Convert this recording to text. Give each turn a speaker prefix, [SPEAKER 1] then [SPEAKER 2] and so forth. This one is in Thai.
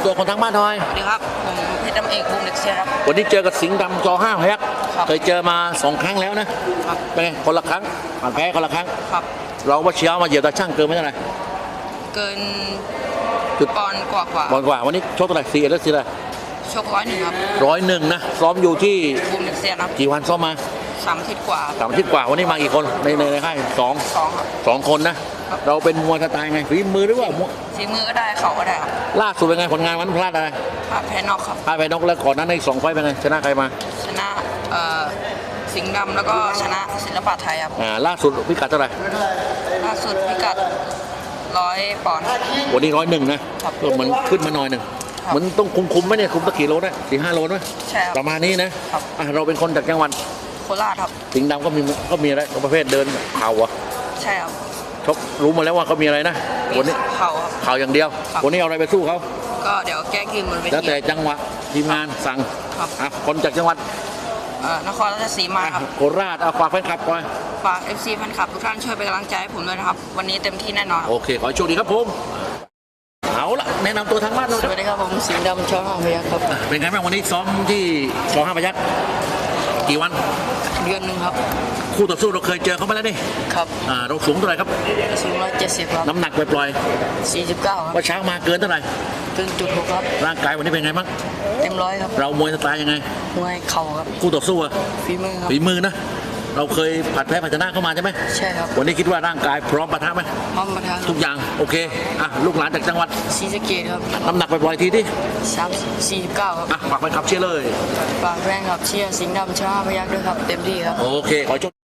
[SPEAKER 1] ตัวคนทั้งบ้านหน่อย
[SPEAKER 2] สวัสดีครับผมเพชรดำเอกวงเด็กเชียร์ครับ
[SPEAKER 1] วันนี้เจอกับสิงห์ดำจ.5 พยัคฆ์เคยเจอมา2 ครั้งแล้วนะเป็นไงคนละครั้งผ่านแพ้คนละครั้ง
[SPEAKER 2] ครับ
[SPEAKER 1] เราว่าเชียร์มาเหยียบตาช่างเกินไม่เท่าไหร่
[SPEAKER 2] เกิน
[SPEAKER 1] จุด
[SPEAKER 2] ปอนกว่า
[SPEAKER 1] ปอนกว่าวันนี้ชกเท่าไหร่4แล้ว4เลย
[SPEAKER 2] ชก101ครับ
[SPEAKER 1] 101นะซ้อมอยู่ที่
[SPEAKER 2] วงเด็กเชียร์ครับ
[SPEAKER 1] กี่วันซ้อมมา
[SPEAKER 2] 3 อาทิตย์กว่า
[SPEAKER 1] 3 อาทิตย์กว่าวันนี้มากี่คนในค่าย2คนนะเราเป็นมวยสไตล์ไงฝีมือหรือว่า
[SPEAKER 2] ฝีมือก็ได้เข่าก็ได้ครับ
[SPEAKER 1] ล่าสุดเป็นไงผลงานวันพลาดอะไร
[SPEAKER 2] พลาดแพ้นอกครับ
[SPEAKER 1] พลาดแพ้นอกแล้วก่อนนั้นใน2 ไฟต์เป็นไงชนะใครมา
[SPEAKER 2] ชนะสิงห์ดำแล้วก็ชนะศิลปะไทยครับ
[SPEAKER 1] ล่าสุดพิกัดเท่าไหร่
[SPEAKER 2] ล่าสุดพิกัด100 ปอนด์
[SPEAKER 1] วันนี้101นะก็เหมือนขึ้นมาหน่อยหนึ่งมันต้องคุมไหมเนี่ยคุมตะกี่โลนะ4-5 โลนะ
[SPEAKER 2] ใช่ครับ
[SPEAKER 1] ประมาณนี้นะเราเป็นคนจากจังหวัด
[SPEAKER 2] โคราชครับ
[SPEAKER 1] สิงห์ดำก็มีอะไรประเภทเดินเข่าอ่ะ
[SPEAKER 2] ใช่ครับ
[SPEAKER 1] ชกรู้มาแล้วว่าเขามีอะไรนะวันนี้
[SPEAKER 2] เข่าครับ
[SPEAKER 1] เข่าอย่างเดียววันนี้เอาอะไรไปสู้เขา
[SPEAKER 2] ก็เดี๋ยวแก้กินบนเวที
[SPEAKER 1] แล้วแต่จังหวะทีมงานสั่งคนจากจังหวัด
[SPEAKER 2] นครราชสีมาครับ
[SPEAKER 1] โคราชฝากแฟนคลับก่อน
[SPEAKER 2] ฝาก FC แฟนคลับทุกท่านช่วยเป็นกำลังใจให้ผมด้วยนะครับวันนี้เต็มที่แน่นอน
[SPEAKER 1] โอเคขอโชคดีครับผมเอาละแนะนำตัวทางบ้านเรา
[SPEAKER 2] สวัสดีครับผมสิงห์ดำช.5 พยัคฆ์ครับ
[SPEAKER 1] เป็นไงบ้างวันนี้ซ้อมที่ช.5 พยัคฆ์กี่วัน
[SPEAKER 2] เดือนนึงครับ
[SPEAKER 1] คู่ต่อสู้เราเคยเจอเขามาแล้วนี่
[SPEAKER 2] ครับ
[SPEAKER 1] เราสูงเท่าไหร่ครับ
[SPEAKER 2] สูง170ครับ
[SPEAKER 1] น้ำหนักปล่อย
[SPEAKER 2] 49ครับ
[SPEAKER 1] ว่าเช้ามาเกินเท่าไหร่
[SPEAKER 2] เกิน1.6ครับ
[SPEAKER 1] ร่างกายวันนี้เป็นไงบ้าง
[SPEAKER 2] เต็ม100ครับ
[SPEAKER 1] เรามวยสไตล์ยังไง
[SPEAKER 2] มวยเข่าครับ
[SPEAKER 1] คู่ต่อสู้
[SPEAKER 2] ฝีมือครับ
[SPEAKER 1] ฝีมือนะเราเคยผัดแพ้ผัดชนะเข้ามาใช่ไหม
[SPEAKER 2] ใช่ครับ
[SPEAKER 1] วันนี้คิดว่าร่างกายพร้อมปะทะไหม
[SPEAKER 2] พร้อมปะทะ
[SPEAKER 1] ทุกอย่างโอเคลูกหลานจากจังหวัด
[SPEAKER 2] ศรีสะเกษครับ
[SPEAKER 1] น้ำหนักปล่อยทีที่
[SPEAKER 2] 49ครับ
[SPEAKER 1] ฝากไปขับเชียร์เลย
[SPEAKER 2] ฝากแฟนคลับเชียร์สิงห์ดำช.5 พยัคฆ์ด้วยครับเต็มที่ครับ
[SPEAKER 1] โอเคขอ